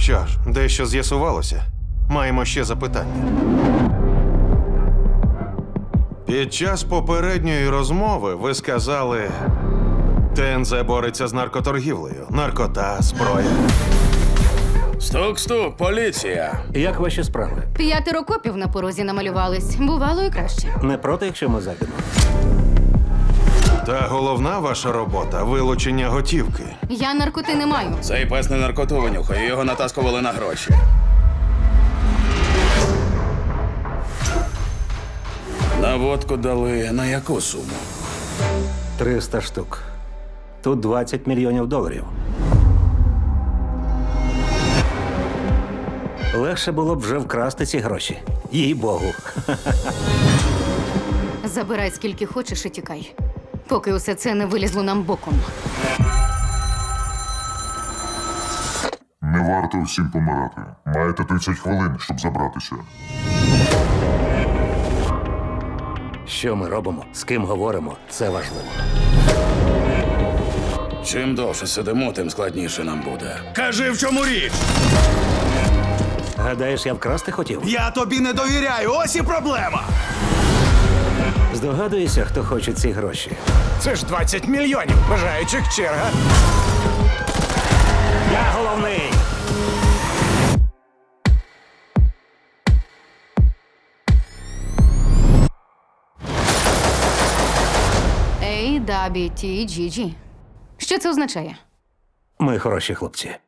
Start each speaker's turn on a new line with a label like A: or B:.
A: Що ж, дещо з'ясувалося. Маємо ще запитання. Під час попередньої розмови ви сказали, ТНЗ бореться з наркоторгівлею. Наркота, зброя.
B: Стук-стук, поліція.
C: Як ваші справи?
D: 5 копів на порозі намалювались. Бувало і краще.
C: Не проти, якщо ми зайдемо?
A: Та головна ваша робота – вилучення готівки.
D: Я наркоти не маю.
B: Цей пес не наркоту винюхає, його натаскували на гроші. На водку дали на яку суму?
C: 300 штук. Тут 20 мільйонів доларів. Легше було б вже вкрасти ці гроші. Їй Богу.
D: Забирай скільки хочеш і тікай. Поки усе це не вилізло нам боком.
E: Не варто всім помирати. Маєте 30 хвилин, щоб забратися.
C: Що ми робимо? З ким говоримо? Це важливо.
B: Чим довше сидимо, тим складніше нам буде. Кажи, в чому річ?
C: Гадаєш, я вкрасти хотів?
B: Я тобі не довіряю, ось і проблема.
C: Здогадуєшся, хто хоче ці гроші?
F: Це ж 20 мільйонів бажаючих черга.
C: Я головний!
D: AWTGG. Що це означає?
C: Ми хороші хлопці.